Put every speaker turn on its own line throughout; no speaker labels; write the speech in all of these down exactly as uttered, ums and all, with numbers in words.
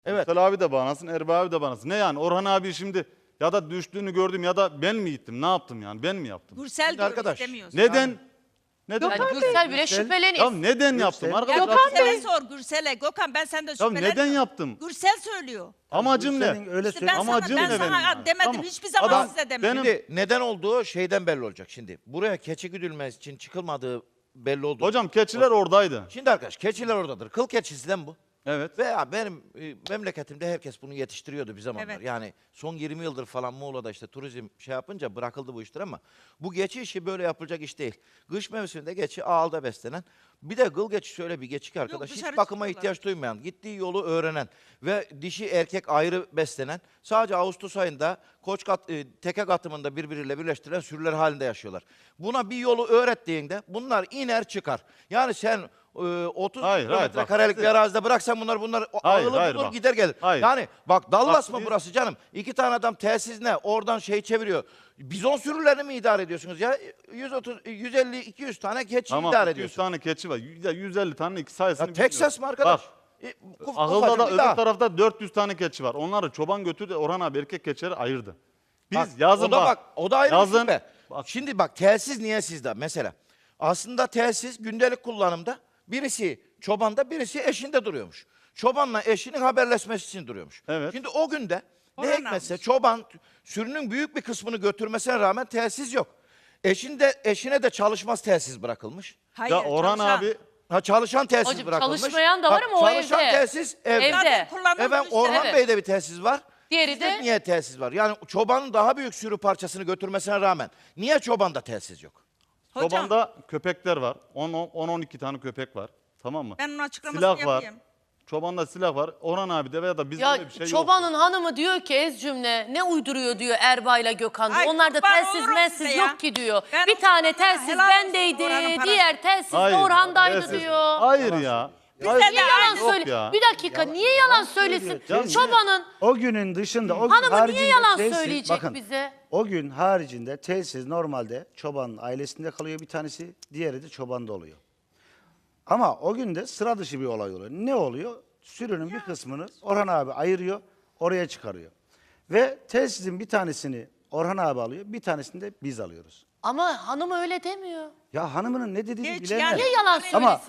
Evet.
Gürsel abi de bağlansın, Erbay abi de bağlansın. Ne yani Orhan abi şimdi ya da düştüğünü gördüm ya da ben mi gittim? Ne yaptım yani? Ben mi yaptım?
Gürsel
Şimdi
diyor,
arkadaş,
istemiyorsun.
Neden? Neden?
Yani
yaptım?
Gürsel bile
Ya
şüpheleniyor.
neden yaptım
Ya
arkadaşlar?
Gürsel'e sor Gürsel'e. Gökhan ben senden
Ya
şüpheleniyorum.
neden yaptım?
Gürsel söylüyor.
Amacım
Gürsel'in
ne?
öyle
İşte
söyle-
ben sana,
Amacım
ben
ne benim
sana
yani?
demedim.
Tamam.
Hiçbir zaman
Adam-
size demedim.
benim-
Şimdi neden olduğu şeyden belli olacak şimdi. Buraya keçi güdülmesi için çıkılmadığı belli oldu.
Hocam keçiler oradaydı.
Şimdi arkadaş keçiler oradadır. Kıl keçisinden bu.
Evet.
Veya benim e, memleketimde herkes bunu yetiştiriyordu bir zamanlar.
Evet.
Yani son yirmi yıldır falan Muğla'da işte turizm şey yapınca bırakıldı bu işler ama bu geçi işi böyle yapılacak iş değil. Kış mevsiminde geçi ağılda beslenen. Bir de gıl geçisi öyle bir geçi ki arkadaş.
dışarı
Hiç bakıma
çıkıyorlar.
ihtiyaç duymayan, gittiği yolu öğrenen ve dişi erkek ayrı beslenen, sadece Ağustos ayında koç kat, e, teke katımında birbiriyle birleştirilen sürüler halinde yaşıyorlar. Buna bir yolu öğrettiğinde bunlar iner çıkar. Yani sen e, otuz
Hayır, hayır,
kilometre
bak,
karelik bir
siz-
arazide bıraksan bunlar bunlar o-
Hayır,
ağılı
hayır,
bulur
bak.
gider gelir.
Hayır.
Yani bak Dallas
Bak,
mı
biz-
burası canım? İki tane adam telsiz ne? Oradan şey çeviriyor. Bizon sürülerini mi idare ediyorsunuz ya? yüz otuz, yüz elli, iki yüz tane keçi
Tamam
idare
iki yüz
ediyorsunuz.
tane keçi var. Ya yüz elli tane iki sayısını
Ya Texas mı arkadaş?
Bak.
E, kuf-
Ahılda
ufacık
da
bir
öbür
dağ.
tarafta dört yüz tane keçi var. Onları çoban götürdü. Orhan abi erkek keçileri ayırdı. Biz
Bak,
yazın
o da bak, o da ayrı bir
yazın,
şüphe.
bak,
Şimdi bak telsiz niye sizde mesela? Aslında telsiz gündelik kullanımda birisi çobanda birisi eşinde duruyormuş. Çobanla eşinin haberleşmesi için duruyormuş.
Evet.
Şimdi o günde ne
Orhan
hikmetse
almış.
çoban sürünün büyük bir kısmını götürmesine rağmen telsiz yok. Eşinde, eşine de çalışmaz telsiz bırakılmış.
Hayır,
ya Orhan
çalışan.
abi
Ha çalışan telsiz
Hocam,
bırakılmış.
çalışmayan da var
Bak,
ama o
çalışan
evde.
telsiz evde.
Evde.
Zaten kullanılmış
Efendim
işte.
Orhan
Evet.
Bey'de bir telsiz var.
Diğeri
Sizde
de-
niye telsiz var? Yani çobanın daha büyük sürü parçasını götürmesine rağmen niye çobanda telsiz yok?
Hocam,
çobanda köpekler var. on on iki tane köpek var. Tamam mı?
ben onun açıklamasını
Silah var.
yapayım.
Çobanda silah var. Orhan abi de veya da bizde
Ya
öyle bir şey yok.
çobanın hanımı diyor ki ez cümle ne uyduruyor diyor Erbay'la Gökhan diyor.
Ay,
Onlarda
kurban
telsiz
olurum
mensiz
size ya.
yok ki diyor.
Ben
bir
o
tane
çobanlara
telsiz
helal olsun
bendeydi,
Orhan'ın parası.
diğer telsiz de
Hayır,
Orhan'daydı
telsiz-
diyor.
Hayır ya.
Bize
Hayır,
de
Niye yalan
Yok
söyle?
ya.
Bir dakika niye yalan söylesin?
Ya-
Çobanın
O günün dışında o gün
hanımı niye
haricinde
yalan
telsiz-
söyleyecek
bakın,
bize?
O gün haricinde telsiz normalde çobanın ailesinde kalıyor bir tanesi, diğeri de çobanda oluyor. Ama o gün de sıra dışı bir olay oluyor. Ne oluyor? Sürünün bir kısmını Orhan abi ayırıyor, oraya çıkarıyor. Ve telsizin bir tanesini Orhan abi alıyor, bir tanesini de biz alıyoruz.
Ama hanım öyle demiyor.
Ya hanımının ne dediğini
Hiç
bilemem.
yani-
Niye yalan söylesin?
Ama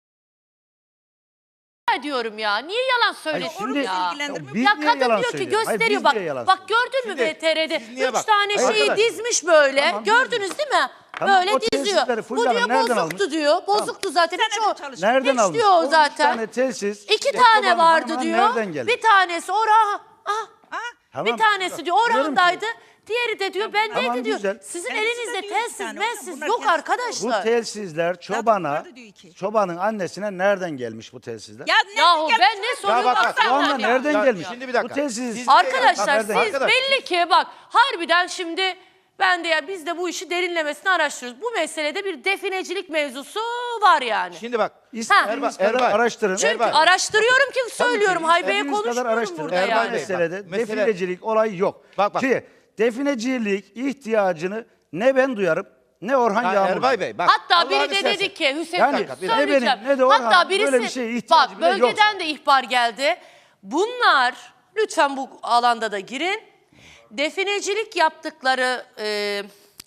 diyorum ya. Niye yalan söylesin
şimdi-
ya?
Ya ilgilendirmiyor.
biz
Ya
niye
kadın
yalan
diyor ki
söylüyoruz? Hayır,
gösteriyor
biz
bak.
niye yalan
Bak
söylüyoruz?
gördün mü
Şimdi
B T R'de?
siz niye
Üç
bak-
tane
Hayır,
şeyi
arkadaş.
dizmiş böyle.
Tamam,
Gördünüz değil mi?
Tamam,
böyle
o
diziyor.
telsizleri
Bu
Fulya
diyor
Hanım nereden
bozuktu
almış?
diyor. Bozuktu zaten.
Bir
Hiç
tane de
o,
çalışıyor.
Nereden
hiç
almış?
diyor o
on üç
zaten.
tane telsiz.
İki
işte
tane
çobanın
vardı
hanımına
diyor.
Nereden geldi?
Bir tanesi Orhan. Ah,
Ha?
Tamam,
bir tanesi diyor
diyorum ki-
Orhan'daydı. Diğeri de diyor bendeydi
Tamam,
diyor.
güzel.
Sizin
Kendisi de
elinizde
diyor bir
telsiz
tane.
mensiz
Bunlar
yok
kendisi de-
Bu
arkadaşlar.
telsizler çobana,
vardı diyor ki.
çobanın annesine nereden gelmiş bu telsizler?
Ya ne
Yahu
gelmiş
ben ne
bak-
soruyorum
bak, bak,
baksana
Şu anda
ya.
nereden
Ya
gelmiş?
şimdi bir dakika.
Bu telsiz...
Siz-
Arkadaşlar
Nereden?
siz
Arkadaş.
belli ki bak harbiden şimdi ben de ya biz de bu işi derinlemesine araştırıyoruz. Bu meselede bir definecilik mevzusu var yani.
Şimdi bak.
İstediğiniz
Erbay,
kadar
Erbay.
araştırın.
Çünkü
Erbay.
araştırıyorum ki söylüyorum Haybe'ye
İstediğiniz kadar
konuşmuyorum
araştırın.
burada
Erbay
Bu
yani.
Bey,
meselede
bak, mesele-
definecilik olayı yok.
Bak, bak.
Ki definecilik ihtiyacını ne ben duyarım ne Orhan
Ha,
Yağmur.
Erbay Bey bak.
Hatta biri
Allah'ını
de
seversen.
dedi ki Hüseyin
Yani
bir
dakika, bir
dakika.
söyleyeceğim.
Ne benim, ne de Orhan,
Hatta birisi
böyle bir şeye ihtiyacı
bak
bile
bölgeden
yoksa.
de ihbar geldi. Bunlar lütfen bu alanda da girin. Definecilik yaptıkları e,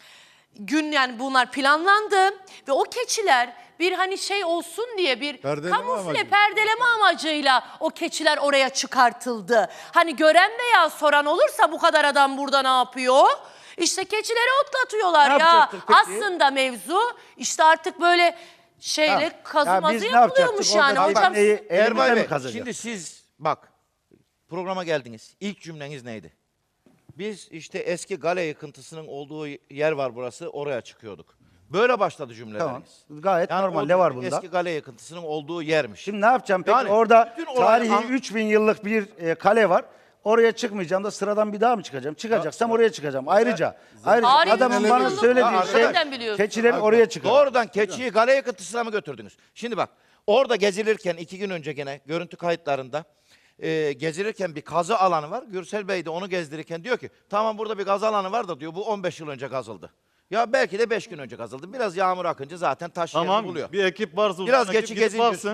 gün yani bunlar planlandı ve o keçiler bir hani şey olsun diye bir
Perdeleme
kamufle
amacı.
perdeleme amacıyla o keçiler oraya çıkartıldı. Hani gören veya soran olursa bu kadar adam burada ne yapıyor? İşte keçileri otlatıyorlar
Ne
ya.
yapacaktık peki?
Aslında mevzu işte artık böyle şeyle
Ha, ya
kazımazı
biz ne
yapılıyormuş
yapacaktık?
yani.
Orada
Hocam
neyi elimizde
Erbay
mi
Bey
kazacak?
şimdi siz bak programa geldiniz. İlk cümleniz neydi? Biz işte eski Gale yıkıntısının olduğu yer var burası oraya çıkıyorduk. Böyle başladı cümleleriniz.
Tamam. Gayet
Yani
normal.
o
Ne var bunda?
Eski Gale yıkıntısının olduğu yermiş.
Şimdi ne yapacağım peki?
Yani
Orada
bütün olay-
tarihi
an-
üç bin yıllık bir e, kale var. Oraya çıkmayacağım da sıradan bir daha mı çıkacağım? Çıkacaksam oraya çıkacağım. Ayrıca ayrıca
Tarihi
adamın
üç
bana
bin yıllık
söylediği
Ya
şey
nereden biliyorsun?
keçilerin oraya çıkıyor.
Doğrudan keçiyi Gale yıkıntısına mı götürdünüz? Şimdi bak orada gezilirken iki gün önce gene görüntü kayıtlarında e, gezilirken bir kazı alanı var. Gürsel Bey de onu gezdirirken diyor ki tamam burada bir kazı alanı var da diyor bu on beş yıl önce kazıldı. Ya belki de beş gün önce kazıldı. Biraz yağmur akınca zaten taş yerini
Tamam
buluyor.
bir ekip varsa uzun
Biraz
ekip
geçi
gidip
gezince
baksın.
üstünde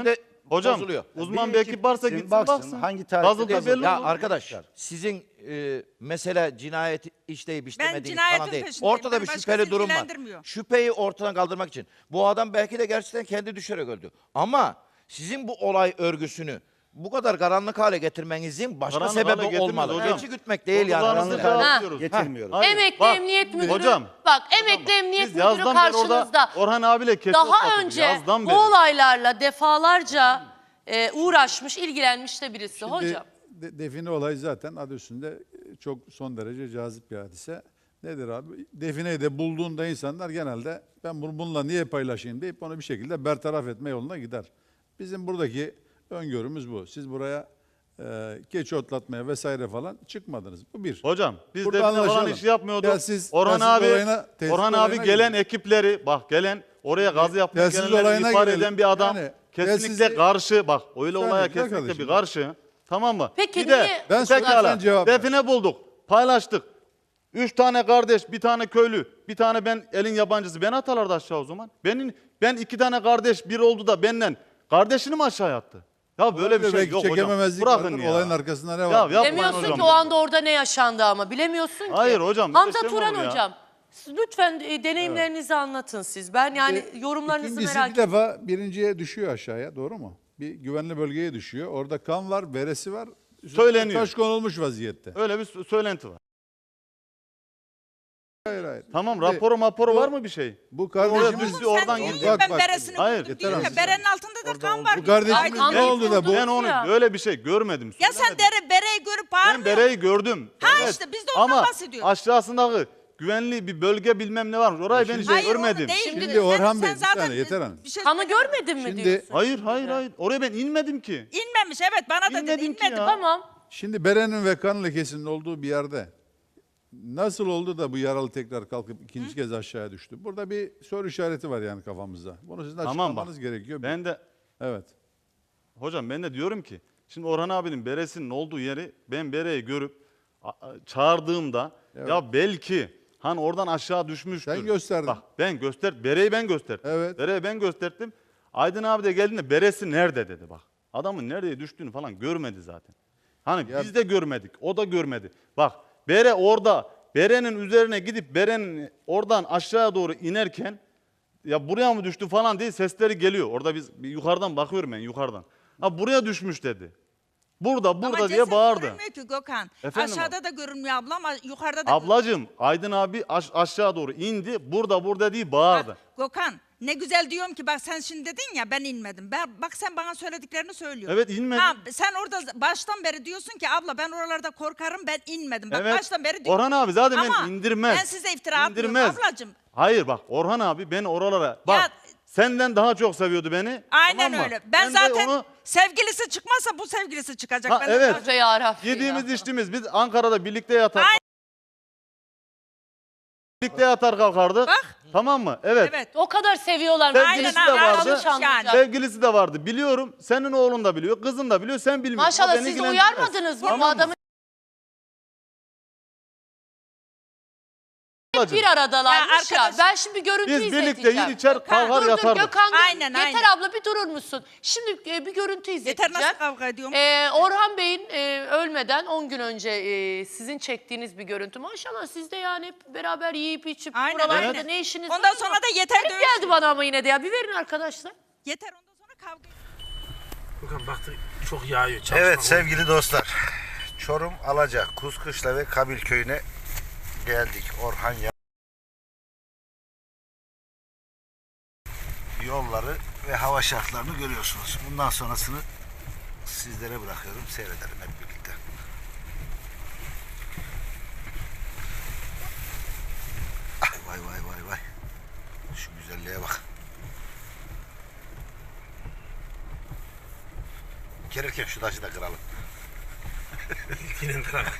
Hocam
bozuluyor.
uzman
Bir
bir
ekip
ekip varsa
gitsin,
gitsin
baksın,
baksın.
hangi tarihte
Yazıldığı
yazıldı.
belli
Ya
olur.
arkadaş sizin e, mesele cinayet işleyip işlemediğiniz
cinayetin
falan değil.
peşindeyim.
Ortada
Beni
bir
başkası
şüpheli durum var.
ilgilendirmiyor.
Şüpheyi ortadan kaldırmak için. Bu adam belki de gerçekten kendi düşerek öldü. Ama sizin bu olay örgüsünü bu kadar karanlık hale getirmenizin başka
Karanlık hale
sebebi
getirmiyoruz
olmalı.
hocam.
Geçi gütmek değil yani.
Sorgularınızı
Karanlık hale-
cevap
Getirmiyoruz.
Hayır,
Emekli
bak,
Emniyet Müdürü,
hocam,
bak emekli Emniyet
Biz
Müdürü
yazdan beri orada
karşınızda.
Orhan abiyle kesin
Daha
otlattık,
önce
yazdan
bu
beri.
olaylarla defalarca e, uğraşmış, ilgilenmiş de birisi
Şimdi
hocam.
de- define olayı zaten adı üstünde çok son derece cazip bir hadise. Nedir abi? Defineyi de bulduğunda insanlar genelde ben bunu bununla niye paylaşayım deyip onu bir şekilde bertaraf etme yoluna gider. Bizim buradaki öngörümüz bu. Siz buraya e, keçi otlatmaya vesaire falan çıkmadınız. Bu bir.
Hocam biz
Burada
define falan
anlaşalım.
iş yapmıyorduk.
Ya siz-
Orhan
ya siz
abi
olayına- tesis
Orhan abi
olayına
gelen
girin.
ekipleri bak gelen oraya gazı yapmaya
Telsiz
gelenleri
olayına
ihbar
girelim.
eden bir adam
Yani
kesinlikle
telsizi-
karşı bak öyle
Saniye,
olaya
güzel
kesinlikle
kardeşim.
bir karşı. Tamam mı?
Peki
bir de
niye-
Ben
pekala,
sorarsan cevap ver.
define bulduk paylaştık. Üç tane kardeş, bir tane köylü, bir tane ben elin yabancısı. Beni atarlardı aşağı o zaman. Benim ben iki tane kardeş bir oldu da benden kardeşini mi aşağı attı? Ya böyle bir şey
Belki
yok hocam.
çekememezlik
Bırakın
vardır,
ya.
olayın arkasında ne
Ya
var?
yapmayın
Bilemiyorsun
hocam.
ki o anda orada ne yaşandı ama bilemiyorsun ki.
Hayır hocam, bir de
Hamza
şey mi
Turan
olur ya?
hocam siz lütfen e, deneyimlerinizi anlatın siz. Ben yani
E,
yorumlarınızı
İkincisi
merak
bir
ediyorum.
defa birinciye düşüyor aşağıya, doğru mu? Bir güvenli bölgeye düşüyor. Orada kan var, beresi var. Üstüne
Söyleniyor.
taş konulmuş vaziyette.
Öyle bir sö- söylenti var.
Hayır hayır.
Tamam
Şimdi
raporu maporu
bu-
var mı bir şey?
Bu
Oraya
kardeşimiz...
biz bir
Sen
oradan
diyorsun
gidiyor.
ki ben
Bak,
beresini
hayır,
buldum
yeter
diyor ya,
artık.
berenin altında da kan var.
Bu
diyor.
kardeşimiz
Ay,
ne
kan
oldu da bu?
Ben onu
Ya.
böyle bir şey görmedim.
Ya sen
söylemedim.
dere, bereyi görüp
Ben
bağırmıyor
bereyi gördüm.
Ha işte, biz de ondan
Ama
bahsediyoruz.
aşağısındaki güvenli bir bölge bilmem ne varmış. Orayı ben hiç
Hayır, onu
görmedim.
değil.
Şimdi
Sen-
Orhan
sen
Bey, bir
zaten
saniye, Yeter Hanım.
bir şey
Kanı
söyleme.
görmedin mi
Şimdi-
diyorsun?
Hayır hayır hayır. Oraya ben inmedim ki.
İnmemiş evet bana da dedi
İnmedim ki
inmedim.
ya.
Tamam.
Şimdi berenin ve kan lekesinin olduğu bir yerde nasıl oldu da bu yaralı tekrar kalkıp ikinci kez aşağıya düştü? Burada bir soru işareti var yani kafamızda. Bunu sizin
Tamam bak.
açıklamanız gerekiyor.
Ben de
Evet.
hocam ben de diyorum ki şimdi Orhan abinin beresinin olduğu yeri ben bereyi görüp a- a- çağırdığımda
Evet.
ya belki hani oradan aşağı düşmüştür.
Sen gösterdin.
Bak ben göster bereyi ben gösterdim.
Evet.
Bereyi ben gösterdim. Aydın abi de geldiğinde beresi nerede dedi bak. Adamın nereye düştüğünü falan görmedi zaten. Hani
Ya-
biz de görmedik. O da görmedi. Bak bere orada berenin üzerine gidip berenin oradan aşağıya doğru inerken ya buraya mı düştü falan diye sesleri geliyor. Orada biz bir yukarıdan bakıyorum ben yukarıdan. Ha buraya düşmüş dedi. Burada burada
Ama
diye
ceset
bağırdı.
görünmüyor ki Gökhan.
Efendim
Aşağıda da görünmüyor abla ama yukarıda da
Ablacığım Aydın abi aş- aşağı doğru indi. Burada burada diye bağırdı.
Bak, Gökhan ne güzel diyorum ki bak sen şimdi dedin ya ben inmedim. Ben, bak sen bana söylediklerini söylüyorsun.
Evet, inmedim.
Ha, sen orada baştan beri diyorsun ki abla ben oralarda korkarım ben inmedim. Bak
Evet.
baştan beri diyorsun.
Orhan abi zaten
Ama
ben indirmez.
ben size iftira atmıyorum
İndirmez.
ablacığım.
Hayır bak Orhan abi beni oralara bak
Ya-
senden daha çok seviyordu beni.
Aynen
tamam mı?
öyle. Ben,
de
zaten
onu
sevgilisi çıkmazsa bu sevgilisi çıkacak.
Ha,
Ben de
evet.
zaten-
Yarabbim
yediğimiz
ya.
içtiğimiz biz Ankara'da birlikte yatar.
Aynen.
Birlikte yatar kalkardık.
Bak.
Tamam mı? Evet.
Evet.
O kadar seviyorlar.
Sevgilisi
Aynen,
de
ha,
vardı.
yanlış anlayacak.
Sevgilisi de vardı. Biliyorum. Senin oğlun da biliyor. Kızın da biliyor. Sen bilmiyorsun.
Maşallah
O beni
siz de
ilgilendirmez.
uyarmadınız mı?
Tamam
Bu adamı
Ablacığım,
bir aradalarmış
Ya
ya.
arkadaş-
Ben şimdi bir görüntü
Biz
izleteceğim.
birlikte yer içer
Gökhan,
kalkar
Dur dur
yatardık.
Gökhan dur.
Aynen,
Yeter
aynen.
abla bir durur musun? Şimdi e, bir görüntü
Yeter
izleteceğim.
nasıl kavga ediyorum?
Ee, Orhan Bey'in e, ölmeden on gün önce e, sizin çektiğiniz bir görüntü. Maşallah siz de yani hep beraber yiyip içip
Aynen,
buralarda
aynen.
ne işiniz
Ondan
var ama
sonra da yeter
garip
dövüşün.
geldi bana ama yine de ya. Bir verin arkadaşlar.
Yeter ondan sonra kavga
Bakın baktı çok yağıyor. Çalışmak
Evet
olmuyor.
sevgili dostlar. Çorum, Alaca, Kuzkışla ve Kabil köyüne geldik. Orhan ya. Yolları ve hava şartlarını görüyorsunuz. Bundan sonrasını sizlere bırakıyorum. Seyredelim hep birlikte. Ah, vay vay vay vay. Şu güzelliğe bak. Gelirken şu taşı da kıralım.
Yine beraber.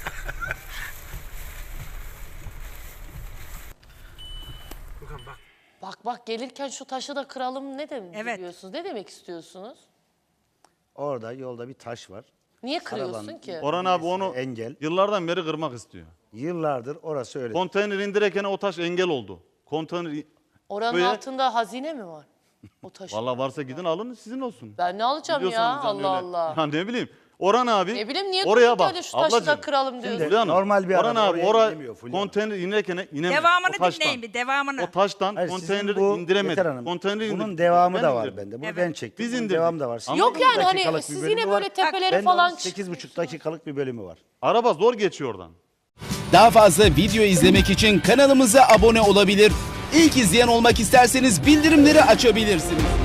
Bakın bak.
Bak bak gelirken şu taşı da kıralım ne demek
Evet.
diyorsunuz? Ne demek istiyorsunuz?
Orada yolda bir taş var.
Niye kırıyorsun
Arabanın-
ki?
Orhan abi onu
Engel.
yıllardan beri kırmak istiyor.
Yıllardır orası öyle.
Konteyner indirirken o taş engel oldu. Konteyner
Oranın
Böyle-
altında hazine mi var? O taşı.
Vallahi varsa gidin alın sizin olsun.
Ben ne alacağım ya?
Biliyorsanız yani
Allah
öyle.
Allah.
Ya ne bileyim. Orhan abi
Ne bileyim niye
oraya
tutup
bak.
öyle şu taşı da
Ablacığım.
kıralım diyorsun.
Şimdi-
Fulya Hanım,
Normal bir
Orhan
araba
abi
oraya
oraya
inemiyor Fulya Hanım.
konteyner inerken inemez.
Devamını
O taştan.
dinleyin bir devamını.
O taştan
Hayır, sizin
konteyneri
bu
indiremedi.
Yeter Hanım,
Konteyneri
bunun
indir-
devamı
Ben
da var
indirdim.
bende. Bunu
Evet.
ben çektim.
Biz
Bunun
indirdik.
devamı da var. Sizin
Yok
on
yani hani
dakikalık bir
siz
bölümü
yine
var.
böyle tepeleri
Bende
falan...
onun sekiz buçuk dakikalık bir bölümü var.
Araba zor geçiyor oradan.
Daha fazla video izlemek için kanalımıza abone olabilir. İlk izleyen olmak isterseniz bildirimleri açabilirsiniz.